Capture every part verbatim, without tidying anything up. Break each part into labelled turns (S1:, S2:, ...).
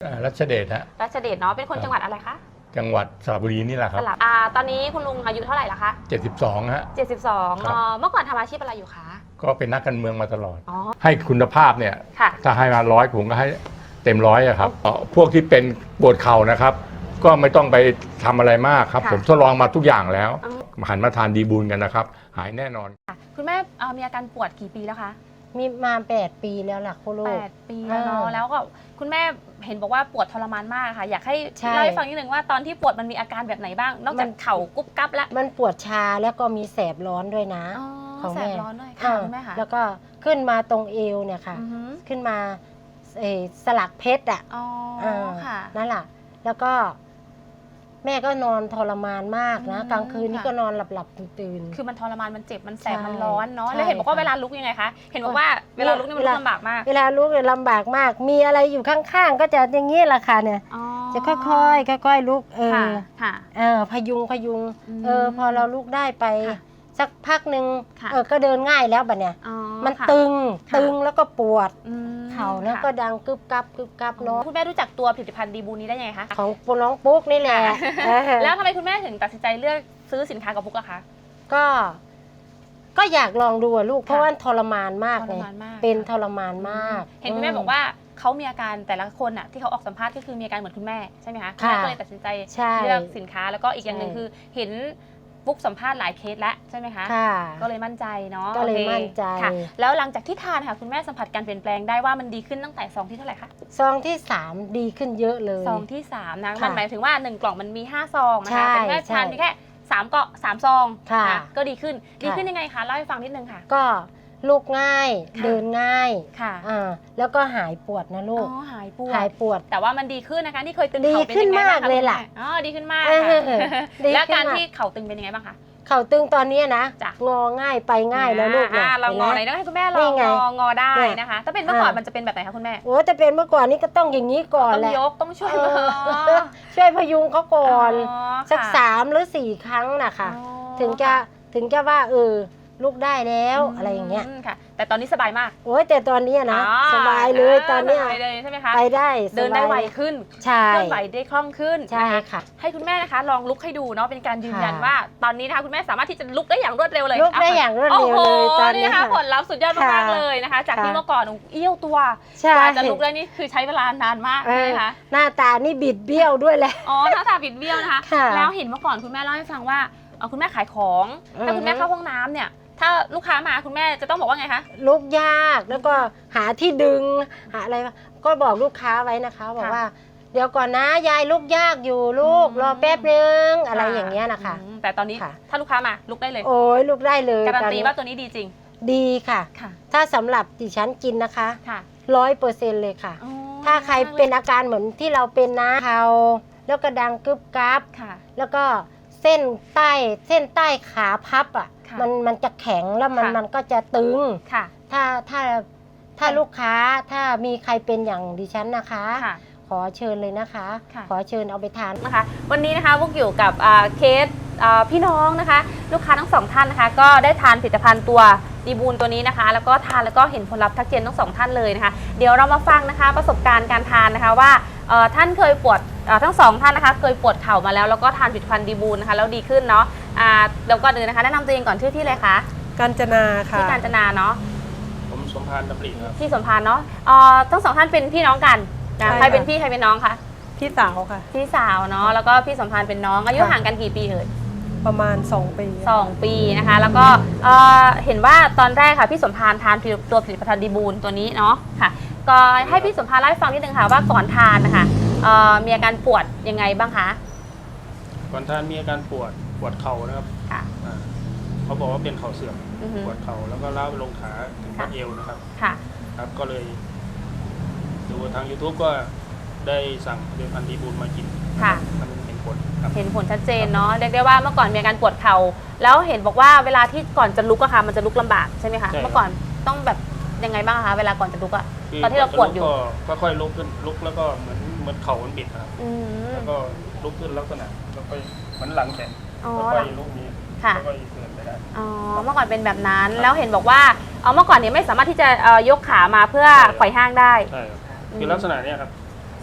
S1: รัชเดชฮะ
S2: รัชเดชเนาะเป็นคนจังหวัดอะไรคะ
S1: จังหวัดสระบุรีนี่แหละครับ
S2: อ่าตอนนี้คุณลุงอายุเท่าไหร่ละคะ
S1: เจ็ดสิบสองฮะ
S2: เจ็ดสิบสองเเมื่อก่อนทำอาชีพอะไรอยู่คะ
S1: ก็เป็นนักการเมืองมาตลอดให้คุณภาพเนี่ยถ้าให้มาร้อยผมก็ให้เต็มร้อยครับพวกที่เป็นปวดเข่านะครับก็ไม่ต้องไปทำอะไรมากครับผมทดลองมาทุกอย่างแล้วหันมาทานดีบูลกันนะครับหายแน่นอน
S2: คุณแม่มีอาการปวดกี่ปีแล้วคะ
S3: มีมาแปดปีแล้วล่ะคุณลูก
S2: แปดปีแล้วเนาะแล้วก็คุณแม่เห็นบอกว่าปวดทรมานมากค่ะอยากให้เล่าให้ฟังนิดนึงว่าตอนที่ปวดมันมีอาการแบบไหนบ้างนอกจากเข่ากุ๊บกั๊บแล้ว
S3: มันปวดชาแล้วก็มีแสบร้อนด้วยนะ
S2: แสบร้อนด้วยค่ะคุณแม่ค่ะ
S3: แล้วก็ขึ้นมาตรงเอวเนี่ยค่ะขึ้นมาสลักเพชรอ่ะนั่นแหละแล้วก็แม่ก็นอนทรมานมากนะกลางคืนนี่ก็นอนหลับหลับตื่น
S2: คือมันทรมานมันเจ็บมันแสบมันร้อนเนาะแล้วเห็นบอกว่าเวลาลุกยังไงคะเห็นบอกว่าเวลาลุกนี่มันลำบากมาก
S3: เวลาลุกเนี่ยลำบากมากมีอะไรอยู่ข้างๆก็จะอย่างนี้แหละค่ะเนี่ยจะค่อยๆค่อยๆลุกเออเออพยุงพยุงเออพอเราลุกได้ไปสักพักหนึ่งเออก็เดินง่ายแล้วบัดเนี่ยมันตึงตึงแล้วก็ปวดเข่าแล้วก็ดังกึบกับกึบกับเนาะ
S2: คุณแม่รู้จักตัวผลิตภัณฑ์ดีบูนี้ได้ยังไงคะ
S3: ของน้องปุ๊กนี่แหละ
S2: แล้วทำไมคุณแม่ถึงตัดสินใจเลือกซื้อสินค้ากับปุ๊กอะคะ
S3: ก็ก็อยากลองดูอะลูกเพราะว่าทรมานมากเลยเป็นทรมานมาก
S2: เห็นคุณแม่บอกว่าเขามีอาการแต่ละคนอะที่เขาออกสัมภาษณ์ก็คือมีอาการเหมือนคุณแม่ใช่ไหมคะคุณแม่ก็เลยตัดสินใจเลือกสินค้าแล้วก็อีกอย่างหนึ่งคือเห็นปุ๊กสัมภาษณ์หลายเคสแล้วใช่ไหมคะก็เลยมั่นใจเนาะ
S3: ก็เลยมั่นใจ
S2: แล้วหลังจากที่ทานค่ะคุณแม่สัมผัสการเปลี่ยนแปลงได้ว่ามันดีขึ้นตั้งแต่ซองที่เท่าไหร่คะ
S3: ซองที่สามดีขึ้นเยอะเลย
S2: ซองที่สามนะมันหมายถึงว่าหนึ่งกล่องมันมีห้าซองนะคะแต่แม่ทานแค่สามเกาะสามซองก็ดีขึ้นดีขึ้นยังไงคะเล่าให้ฟังนิดนึงค่ะ
S3: ก็ลุกง่ายเดินง่ายค่ะแล้วก็หายปวดนะลูก
S2: อ๋อหายปวด
S3: หายปวด
S2: แต่ว่ามันดีขึ้นนะคะที่เคยตึง
S3: เข่าเป็นยังไงบ้างคะดีขึ้นมากเลยล่ะ
S2: อ๋อดีขึ้นมากแล้วการที่เข่าตึงเป็นยังไงบ้างคะ
S3: เข่าตึงตอนนี้นะงอง่ายไปง่ายแล้วลูก
S2: เนี่ยเรางอไหนต้องให้คุณแม่ลองงองอได้นะคะถ้าเป็นเมื่อก่อนมันจะเป็นแบบไหนคะคุณแม่
S3: โอ้แต่เป็นเมื่อก่อนนี้ก็ต้องอย่างนี้ก่อนแหละ
S2: ต้องยกต้องช่วย
S3: ช่วยพยุงเขาก่อนสักสามหรือสี่ครั้งนะคะถึงจะถึงจะว่าเออลุกได้แล้วอะไรอย่างเงี้ย
S2: ค่ะแต่ตอนนี้สบายมาก
S3: โอ้ยแต่ตอนนี้นะสบายเลยตอนนี้
S2: ไปเลยใช่ไหมคะ
S3: ไปได้
S2: เดินได้ไวขึ้น
S3: ใช่
S2: เคลื่อนไหวได้คล่องขึ้น
S3: ใช่ค่ะ
S2: ให้คุณแม่นะคะลองลุกให้ดูเนาะเป็นการยืนยันว่าตอนนี้นะคะคุณแม่สามารถที่จะลุกได้อย่างรวดเร็วเลย
S3: ลุกได้อย่างรวดเร็วเลยตอนนี้
S2: นะคะผลลัพธ์สุดยอดมากเลยนะคะจากที่เมื่อก่อนเอี้ยวตัวกว่าจะลุกได้นี่คือใช้เวลานานมากนะคะ
S3: หน้าตานี่บิดเบี้ยวด้วยแหละ
S2: อ๋อหน้าตาบิดเบี้ยวนะคะแล้วเห็นเมื่อก่อนคุณแม่เล่าให้ฟังว่าคุณแม่ขายของถ้าคุณแม่เข้าห้องน้ำเนี่ยถ้าลูกค้ามาคุณแม่จะต้องบอกว่าไงคะ
S3: ลุกยากแล้วก็หาที่ดึงหาอะไรก็บอกลูกค้าไว้นะคะบอกว่าเดี๋ยวก่อนนะยายลุกยากอยู่ลูกรอแป๊บนึงอะไรอย่างเงี้ยนะคะ
S2: แต่ตอนนี้ถ้าลูกค้ามาลุกได้เลย
S3: โอ้ยลุกได้เลย
S2: การันตีว่าตัวนี้ดีจริง
S3: ดีค่ะถ้าสำหรับดิฉันกินนะคะร้อยเปอร์เซ็นต์เลยค่ะถ้าใครเป็นอาการเหมือนที่เราเป็นนะเขาแล้วก็ดังกึบกับแล้วก็เส้นใต้เส้นใต้ขาพับอ่ะมันมันจะแข็งแล้วมันมันก็จะตึงถ้าถ้าถ้าลูกค้าถ้ามีใครเป็นอย่างดิฉันนะคะขอเชิญเลยนะคะขอเชิญเอาไปทาน
S2: นะคะวันนี้นะคะพวกอยู่กับเคสพี่น้องนะคะลูกค้าทั้งสองท่านนะคะก็ได้ทานผลิตภัณฑ์ตัวดีบูลตัวนี้นะคะแล้วก็ทานแล้วก็เห็นผลลัพธ์ทักเจนทั้งสองท่านเลยนะคะเดี๋ยวเรามาฟังนะคะประสบการณ์การทานนะคะว่าท่านเคยปวดทั้งสองท่านนะคะเคยปวดเข่ามาแล้วแล้วก็ทานผลิตภัณฑ์ดีบูลนะคะแล้วดีขึ้นเนาะเดี๋ยวก่อนอื่นนะคะแนะนำตัวเองก่อนชื่อที่เลยคะ
S4: กาญจนาค่ะ
S2: ที่กาญจนาเนาะ
S1: ผมสมพานดำริครับ
S2: ที่สมพานเนาะทั้งสองท่านเป็นพี่น้องกันใครเป็นพี่ใครเป็นน้องคะ
S4: พี่สาวค่ะ
S2: พี่สาวเนาะแล้วก็พี่สมพานเป็นน้องอายุห่างกันกี่ปีเอ่ย
S4: ประมาณสองปี
S2: สองปีนะคะแล้วก็เห็นว่าตอนแรกค่ะพี่สมพานทานตัวผลิตภัณฑ์ดีบูลตัวนี้เนาะค่ะก็ให้พี่สมพานเล่าให้ฟังนิดนึงค่ะว่าก่อนทานนะคะมีอาการปวดยังไงบ้างคะ
S5: ก่อนทานมีอาการปวดปวดเข่านะครับเขาบอกว่าเป็นเข่าเสื่อมปวดเข่าแล้วก็ล้าวไปลงขาถึงข้อเอวนะครับครับก็เลยดูทาง ยูทูบ ก็ได้สั่งผลิตภัณฑ์ดีบูลมากินมันเห็นผล
S2: เห็นผลชัดเจนเนาะเรียกได้ว่าเมื่อก่อนมีอาการปวดเข่าแล้วเห็นบอกว่าเวลาที่ก่อนจะลุกอะค่ะมันจะลุกลำบากใช่ไหมคะเมื่อก่อนต้องแบบยังไงบ้างคะเวลาก่อนจะลุกอะตอนที่เราปวดอยู่
S5: ก็ค่อยลุกขึ้นลุกแล้วก็เหมือนเหมือนเข่ามันบิดครับแล้วก็ลุกขึ้นลักษณะแล้วก็เหมือนหลังแข็งแล้วก็ลุกนี้แล้วก็เดินไปได้
S2: อ๋อเมื่อก่อนเป็นแบบนั้นแล้วเห็นบอกว่าเอาเมื่อก่อนเนี่ยไม่สามารถที่จะยกขามาเพื่อไขว่ห้างได้
S5: ใช่คือลักษณะนี้ครับ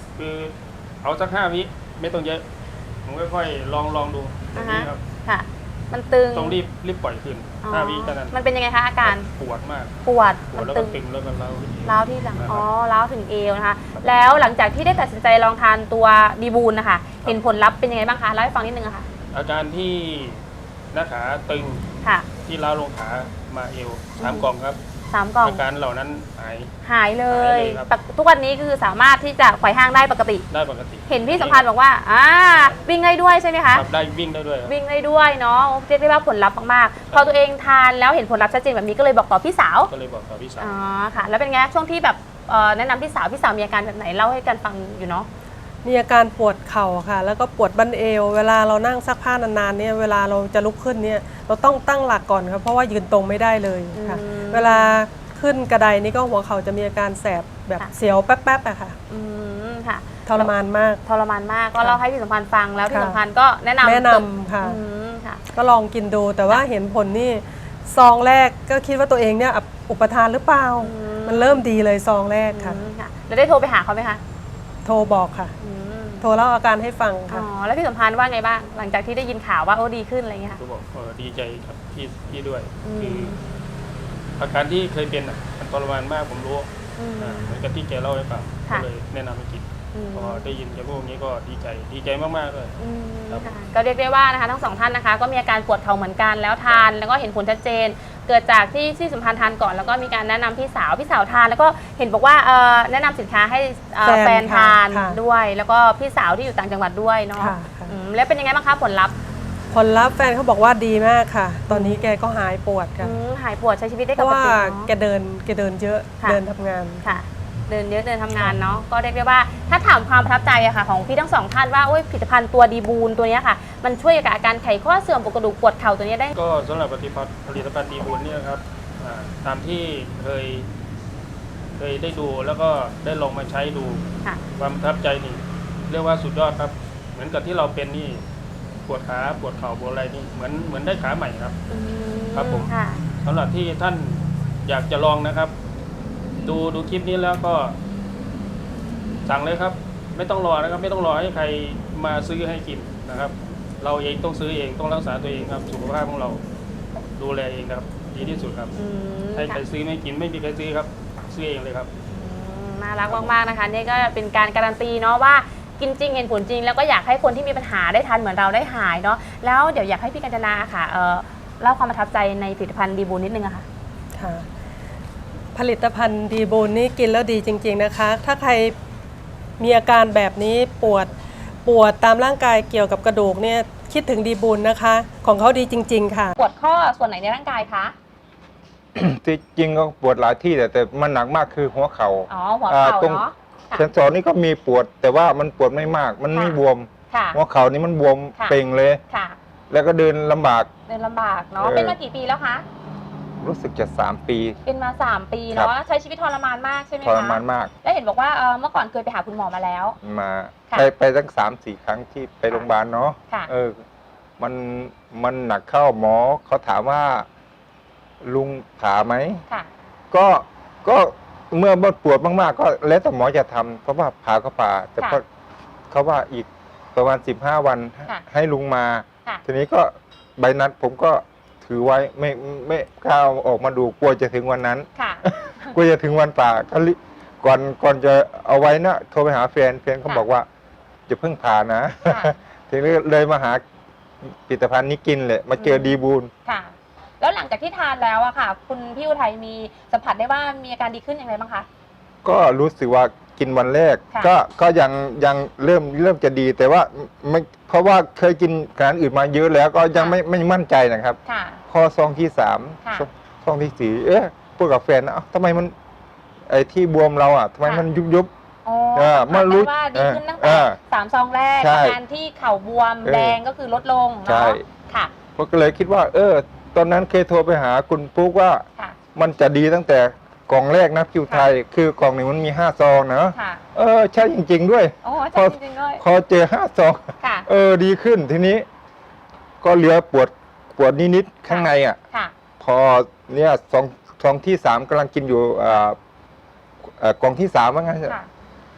S5: คือเอาสักห้าวิไม่ต้องเยอะผมค่อยๆลองลองดูตรงนี้ครับ
S2: ค่ะ มันตึง
S5: ต้องรีบรีบปล่อยขึ้น
S2: อ๋อ
S5: ห้าวิแค่นั้น
S2: มันเป็นยังไงคะอาการ
S5: ปวดมาก
S2: ปวด
S5: ปว
S2: มั
S5: ด
S2: น
S5: แล้ว
S2: ตึ
S5: ก็
S2: ง
S5: ตึงแล้วก็เล้าที่
S2: ร้าวที่หลัง
S5: นะครับ
S2: อ๋อร้าวถึงเอวนะคะ แล้วหลังจากที่ได้ตัดสินใจลองทานตัวดีบูลนะคะ เห็นผลลัพธ์เป็นยังไงบ้างคะเล่าให้ฟังนิดนึงอะค่ะ
S5: อาการที่หน้าขาตึง
S2: ค่ะ
S5: ที่เล้าลงขามาเอวสามกล่องครับ
S2: สามกล่อง
S5: อาการเหล่านั้นหาย
S2: หายเล
S5: หาย ยเลยครับ
S2: ปกทุกวันนี้คือสามารถที่จะไขว่ห้างได้ปกติ
S5: ได้ปกติ
S2: เห็นพี่สัมพันธ์บอกว่าอ่าวิ่งได้ด้วยใช่ไหมคะ
S5: ครับได้วิ่งได้ด้วยครับ
S2: วิ่งได้ด้วยเนาะเรียกได้ว่าผลลัพธ์มากๆ พอตัวเองทานแล้วเห็นผลลัพธ์ชัดเจนแบบนี้ก็เลยบอกต่อพี่สาว
S5: ก็เลยบอกกับพี่สาว
S2: อ๋อค่ะ แล้วเป็นไงช่วงที่แบบเอ่อแนะนำพี่สาวพี่สาวมีอาการแบบไหนเล่าให้กันฟังอยู่เนาะ
S4: มีอาการปวดเข่าค่ะ แล้วก็ปวดบั้นเอว เวลาเรานั่งซักผ้านานๆเนี่ยเวลาเราจะลุกขึ้นเนี่ยเราต้องตั้งหลักก่อนครับเพราะว่ายืนตรงไม่ได้เลยค่ะ
S2: อืม
S4: เวลาขึ้นกระไดนี่ก็หัวเข่าจะมีอาการแสบแบบ
S2: ค่ะ
S4: เสียวแป๊บๆอะค่ะ
S2: อืมค่ะ
S4: ทรมานมาก
S2: ทรมานมากก็เล่าให้พี่สัมพันธ์ฟังแล้วพี่
S4: ค่ะ
S2: สัมพันธ์ก็แนะนำ
S4: แนะนำค่ะ
S2: อืมค่ะ
S4: ก็ลองกินดูแต่ว่าเห็นผลนี่ซองแรกก็คิดว่าตัวเองเนี่ยอุปทานหรือเปล่า
S2: อืม
S4: มันเริ่มดีเลยซองแรกค่ะ
S2: อืมค่ะแล้วได้โทรไปหาเขาไหมคะ
S4: โทรบอกค่ะ
S2: อืม
S4: โทรเล่าอาการให้ฟัง
S2: อ๋
S4: ค่ะ
S2: อแล้วพี่สัมพันธ์ว่าไงบ้างหลังจากที่ได้ยินข่าวว่าโอ้ดีขึ้นอะไรอย่างเงี้ยค่ะ
S5: ก็บอกเออดีใจกับพี่พี่ด้วย
S2: อืม
S5: คืออาการที่เคยเป็นอ่ะมันทรมานมากผมรู้
S2: อืม
S5: อ่าเหมือนกับที่แกเล่าให้ฟังก็
S2: ค่ะ
S5: เลยแนะนำให้กิน
S2: อืม
S5: พอได้ยินแกพูดอย่างนี้ก็ดีใจดีใจมากๆเลย
S2: อืม
S5: ครับ
S2: ค่ะก็เรียกได้ว่านะคะทั้งสองท่านนะคะก็มีอาการปวดเข่าเหมือนกันแล้วทานแล้วก็เห็นผลชัดเจน เกิดจากที่ที่สัมพันธ์ทานก่อนแล้วก็มีการแนะนำพี่สาวพี่สาวทาน แล้วก็เห็นบอกว่าเอ่อแนะนำสินค้าให้เอ่อ
S4: แฟน
S2: แฟนทาน
S4: ค่ะ
S2: ด้วย แล้วก็พี่สาวที่อยู่ต่างจังหวัดด้วยเนาะ
S4: ค่ะค่ะ
S2: อืมแล้วเป็นยังไงบ้างคะผลลัพธ์
S4: ผลลัพธ์แฟนเขาบอกว่าดีมากค่ะ ตอนนี้แกก็หายปวดค่ะ
S2: อืมหายปวดใช้ชีวิตได้
S4: เพ
S2: ป
S4: ราะ
S2: ก
S4: ว่า
S2: ติ
S4: แก
S2: เนาะ
S4: เดินแกเดินเยอะ
S2: ค่ะ
S4: เดินทำงาน
S2: ค่ะ เดินเยอะเดินทำงานเนาะก็เรียกได้ว่าถ้าถามความประทับใจอะค่ะของพี่ทั้งสองท่านว่าโอ้ยผลิตภัณฑ์ตัวดีบูนตัวเนี้ยค่ะ มันช่วยกับอาการไขข้อเสื่อมปวดกระดูกปวดเข่าตัวเนี้ยได้
S5: ก็สำหรับผลิตภัณฑ์ผลิตภัณฑ์ดีบุญเนี่ยนะครับอ่าตามที่เคย เคยได้ดูแล้วก็ได้ลองมาใช้ดู
S2: ค่ะ
S5: ความประทับใจนี่เรียกว่าสุดยอดครับ เหมือนกับที่เราเป็นนี่ปวดขาปวดเข่าปวดอะไรนี่เหมือนเหมือนได้ขาใหม่ครับ
S2: อืม
S5: ครับผม
S2: ค่ะ
S5: สำหรับที่ท่านอยากจะลองนะครับ ดูดูคลิปนี้แล้วก็สั่งเลยครับ ไม่ต้องรอนะครับ ไม่ต้องรอให้ใครมาซื้อให้กินนะครับ เราเองต้องซื้อเองต้องรักษาตัวเองครับสุขภาพของเราดูแลเองครับ ดีที่สุดครับ
S2: อืม
S5: ให้ใคร
S2: ค่ะ
S5: ซื้อไม่กินไม่มีใครซื้อครับ ซื้อเองเลยครับ
S2: อืมน่ารักมากๆนะคะนี่ก็เป็นการการันตีเนาะว่ากินจริงเห็นผลจริง แล้วก็อยากให้คนที่มีปัญหาได้ทานเหมือนเราได้หายเนาะแล้วเดี๋ยวอยากให้พี่กัญจนาค่ะเอ่อเล่าความประทับใจในผลิตภัณฑ์ดีบูนนิดนึงอะค่ะ
S4: ค่ะ ผลิตภัณฑ์ดีบูนนี่กินแล้วดีจริง ๆนะคะ ถ้าใครมีอาการแบบนี้ปวดปวดตามร่างกายเกี่ยวกับกระดูกเนี่ยคิดถึงดีบูนนะคะ ของเขาดีจริง ๆ ค่ะ
S2: ปวดข้อส่วนไหนในร่างกายคะ
S6: ที่จริงก็ปวดหลายที่แต่แต่มันหนักมากคือหัวเขา
S2: อ๋
S6: ่า
S2: อหัวเข่า
S6: อ่าตรง
S2: เนาะค่ะ
S6: เซนสอนนี่ก็มีปวด แต่ว่ามันปวดไม่มาก มันไม่
S2: ค่ะ
S6: บวม
S2: ค่ะ
S6: หัวเข่านี่มันบวม
S2: ค่ะ
S6: เป่งเลย
S2: ค่ะ
S6: แล้วก็เดินลำบาก
S2: เดินลำบากเนาะ
S6: เออ
S2: เป็นมากี่ปีแล้วคะ
S6: รู้สึกจะสามปี
S2: เป็นมาสามปี
S6: ครั
S2: เนาะ
S6: บ
S2: ใช้ชีวิตทรมานมากใช่ไหม
S6: ท
S2: คะ
S6: รมานมาก
S2: แล้วเห็นบอกว่าเอ่อเมื่อก่อนเคยไปหาคุณหมอมาแล้ว
S6: มา
S2: ค่ะ
S6: ไปไปตั้งสามสี่ครั้งที่ไปโรงพยาบาลเนาะ
S2: ค่ะ
S6: เออ มันมันหนักเข้าหมอเขาถามว่าลุงผ่าไหม
S2: ค่ะ
S6: ก็ก็เมื่อปวดมากๆ ก็แล้วแต่หมอจะทำเพราะว่าผ่าก็ผ่า แต่
S2: ค่ะ
S6: ก็เขาว่าอีกประมาณสิบห้าวัน
S2: ค่ะ
S6: ให้ลุงมา
S2: ค่ะ
S6: ทีนี้ก็ใบนัดผมก็ถือไว้ไม่ไม่กล้าเอาออกมาดูกลัวจะถึงวันนั้น
S2: ค่ะ
S6: กลัวจะถึงวันป่าก็รีก่อนก่อนจะเอาไว้นะโทรไปหาแฟนแฟนเขา
S2: ค่ะ
S6: บอกว่าจะเพิ่งผ่านะ
S2: ค่ะ
S6: ทีนี้เลยมาหาผลิตภัณฑ์นี้กินเลยมาเจอดีบูล
S2: ค่ะ แล้วหลังจากที่ทานแล้วอะค่ะ คุณพี่อุทัยมีสัมผัสได้ว่ามีอาการดีขึ้นอย่างไรบ้างคะ
S6: ก็รู้สึกว่ากินวันแรก
S2: ค่ะ
S6: ก็ก็ยังยังเริ่มเริ่มจะดีแต่ว่าไม่เพราะว่าเคยกินอาหารอื่นมาเยอะแล้วก็ยังไม่ไม่มั่นใจนะครับ
S2: ค่ะ
S6: พอซองที่สาม
S2: ค่ะ
S6: ซองซองที่สี่เอ๊ะพูดกับแฟนนะเอ้าทำไมมันไอ้ที่บวมเราอ่ะทำไม
S2: ค่ะ
S6: มันยุบยุบ
S2: อ๋อ
S6: เออ
S2: สัม
S6: เมื่
S2: ผัส
S6: อรู้
S2: ได้ว่าดีขึ้นตั้ง
S6: เอ
S2: แต่
S6: อ
S2: สามซองแรก
S6: ใช่
S2: อาการที่เข่าบวม
S6: เออ
S2: แดงก็คือลดลง
S6: ใช่
S2: เนาะค่ะ
S6: ผมก็เลยคิดว่า เออ ตอนนั้นเคยโทรไปหาคุณปุ๊กว่า
S2: ค่ะ
S6: มันจะดีตั้งแต่กล่องแรกนะคิวไทย คือกล่องหนึ่งมันมีห้าซองนะ
S2: ค่ะ
S6: เออใช่จริง ๆ ด้วย
S2: โอ้
S6: พ
S2: ใช่
S6: อ
S2: จริงๆด้วย
S6: พอเจอห้าซอง
S2: ค่ะ
S6: เออดีขึ้นทีนี้ ก็เหลือปวดปวดนิดๆข้างในอ่ะ
S2: ค่ะ
S6: พอเนี่ยซองซองที่สามกำลังกินอยู่อ่าเอ่อกล่องที่สามว่างั้นเถอะ
S2: ค่ะ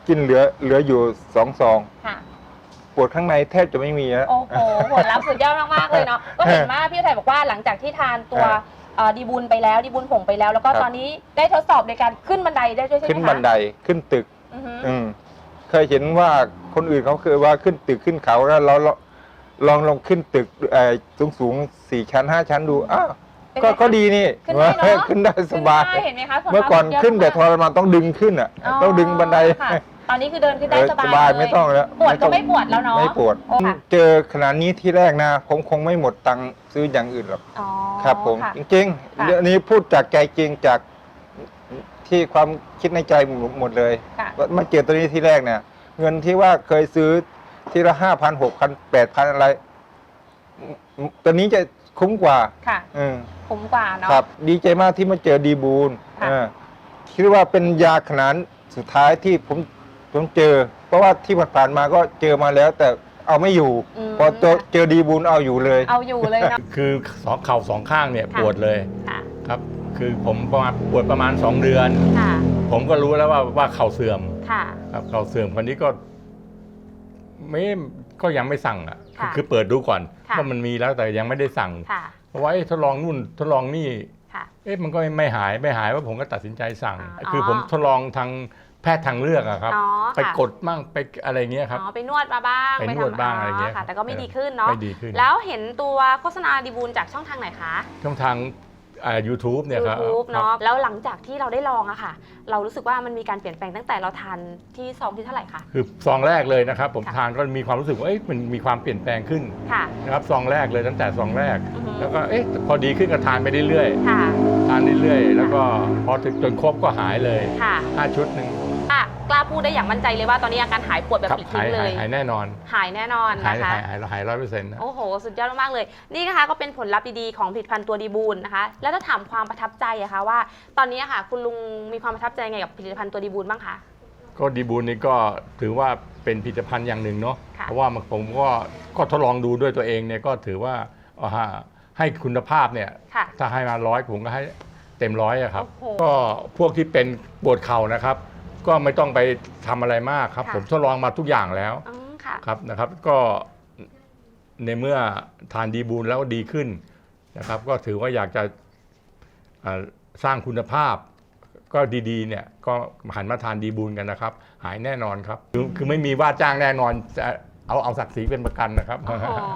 S6: กินเหลือเหลืออยู่สองซอง
S2: ค่ะ
S6: ปวดข้างในแทบจะไม่มีแล้ว
S2: โอ้โหผลลัพธ์สุดยอดมากๆเลยเนาะ ก็เห็นว่าพี่อุทัยบอกว่าหลังจากที่ทานตัวเอ่อดีบุญไปแล้วดีบุญผงไปแล้ว แล้วก็
S6: ครับ
S2: ตอนนี้ได้ทดสอบในการขึ้นบันไดได้ด้วยใช่ไหมคะ
S6: ขึ้นบันไดขึ้นตึก
S2: อือฮึ
S6: อืมเคยเห็นว่าคนอื่นเขาเคยว่าขึ้นตึกขึ้นเขาแล้วเราเราลองลองขึ้นตึกสูงสูงๆสี่ชั้นห้าชั้นดูอ้าว
S2: เป็นไง
S6: ก็
S2: คะ
S6: ก็ดีนี่
S2: ขึ้นได้เนอะ
S6: ขึ้นได้สบาย
S2: ขึ้นได้เห็นไหมคะผลลัพธ์
S6: เมื่อก่อน
S2: สุดยด
S6: ขึ้นแต่
S2: มาก
S6: ทรมานต้องดึงขึ้นอ่ะ ต้องดึงบันได
S2: ค่ะตอนนี้คือเดินขึ้นได้
S6: เออ
S2: ส
S6: ส
S2: บาย
S6: บาย
S2: เลย
S6: ไม่ต้องแล้ว
S2: ปวดก็
S6: ต้อง
S2: ไม่ปวดแล้วเนาะ
S6: ไม่ปวด
S2: โอ้ค่ะ
S6: เจอขนาดนี้ที่แรกนะผมคงไม่หมดตังค์ซื้ออย่างอื่นหรอก
S2: อ๋อ
S6: ครับผม
S2: ค่ะ
S6: จริง
S2: ค่ะ
S6: ๆเรื่องนี้พูดจากใจจริงจากที่ความคิดในใจหมดเลย
S2: ค่ะ
S6: ว่ามาเจอตัวนี้ที่แรกเนี่ย เงินที่ว่าเคยซื้อทีละห้าพันหกพันแปดพันอะไรอืมตัวนี้จะคุ้มกว่า
S2: ค่ะ
S6: อืม
S2: คุ้มกว่าเนาะ
S6: ครับ ดีใจมากที่มาเจอดีบูล
S2: ค่ะ
S6: เออคิดว่าเป็นยาขนาดสุดท้ายที่ผมผมเจอ เพราะว่าที่ผ่านๆมาก็เจอมาแล้ว แต่เอาไม่อยู่
S2: ม
S6: พอเจอเจอดีบูลเอาอยู่เลย
S2: เอาอยู่เลยเนาะ
S1: คือสองเข่าสองข้างเนี่ย
S2: ค่ะ
S1: ปวดเลย
S2: ค่ะ
S1: ครับ คือผมประมาณปวดประมาณสองเดือน
S2: ค่ะ
S1: ผมก็รู้แล้วว่าว่าเข่าเสื่อม
S2: ค่ะ
S1: ครับเข่าเสื่อมคนนี้ก็ไม่ก็ยังไม่สั่งอ่ะ
S2: ค่ะ
S1: คือเปิดดูก่อน
S2: ค่ะ
S1: ว่ามันมีแล้วแต่ยังไม่ได้สั่ง
S2: ค่ะ
S1: เพราะว่าเอ๊ะทดลองนู่นทดลองนี่
S2: ค่ะ
S1: เอ๊ะมันก็ไม่หายไม่หายว่าผมก็ตัดสินใจสั่ง
S2: อ๋อ
S1: คือผมทดลองทางแพทย์ทางเลือกอะครับ
S2: อ๋อ
S1: ไป
S2: ค่ะ
S1: กดมั่งไปอะไรเงี้ยครับ
S2: อ๋อไปนวดมาบ้าง
S1: ไปนวด
S2: ทำ
S1: บ้างอะไรเงี้ย
S2: ค่ะ แต่ก็ไม่
S1: เออ
S2: ดีขึ้นเนาะ
S1: ไม่ดีขึ้น
S2: แล้วเห็นตัวโฆษณาดีบูลจากช่องทางไหนคะ
S1: ช่องทางอ่า YouTube เนี่ยครับ
S2: YouTube
S1: ครับ
S2: เนาะแล้วหลังจากที่เราได้ลองอะค่ะ เรารู้สึกว่ามันมีการเปลี่ยนแปลงตั้งแต่เราทานที่ซองที่เท่าไหร่คะ
S1: คือซองแรกเลยนะครับ ผม
S2: ค่ะ
S1: ทานก็มีความรู้สึกว่าเอ๊ะมันมีความเปลี่ยนแปลงขึ้น
S2: ค่ะ
S1: นะครับซองแรกเลยตั้งแต่ซองแรก
S2: อือฮึ
S1: แล้วก็เอ๊ะพอดีขึ้นก็ทานไปเรื่อย
S2: ค่ะ
S1: ๆทานเรื่อยๆแล้วก็พอถึงจนครบก็หายเลย
S2: ค่ะ
S1: ห้าชุดหนึ่ง
S2: อ่ะกล้าพูดได้อย่างมั่นใจเลยว่าตอนนี้อาการหายปวดแบบ
S1: ครับ
S2: ปลิด
S1: หา
S2: ทิ้
S1: ย
S2: งเล
S1: หาย
S2: ย
S1: หายแน่นอน
S2: หายแน่นอน
S1: หาย
S2: นะคะ
S1: หายหายหายร้อยเปอร์เซ็นต์นะ
S2: โอ้โห สุดยอดมากๆเลย นี่นะคะก็เป็นผลลัพธ์ดีๆของผลิตภัณฑ์ตัวดีบูลนะคะ แล้วถ้าถามความประทับใจอะคะว่า ตอนนี้อะค่ะ คุณลุงมีความประทับใจไงกับผลิตภัณฑ์ตัวดีบูลบ้างคะ
S1: ก็ดีบูลนี่ก็ถือว่าเป็นผลิตภัณฑ์อย่างหนึ่งเนาะ
S2: ค่ะ
S1: เพราะว่าผมก็ก็ทดลองดูด้วยตัวเองเนี่ยก็ถือว่าเอาฮะให้คุณภาพเนี่ย
S2: ค่ะ
S1: ถ้าให้มาร้อยผมก็ให้เต็มร้อยอะครับ
S2: โอ้โห
S1: ก็พวกที่เป็นปวดเข่านะครับ ก็ไม่ต้องไปทำอะไรมากครับ
S2: ค่ะ
S1: ผมทดลองมาทุกอย่างแล้ว
S2: อืมค่ะ
S1: ครับนะครับ ก็ในเมื่อทานดีบูลแล้วดีขึ้นนะครับ ก็ถือว่าอยากจะเอ่อสร้างคุณภาพ ก็ดีๆเนี่ยก็หันมาทานดีบูลกันนะครับ หายแน่นอนครับ คือคือไม่มีว่าจ้างแน่นอนจะเอาเอาศักดิ์ศรีเป็นประกันนะครับ
S2: โอ้โห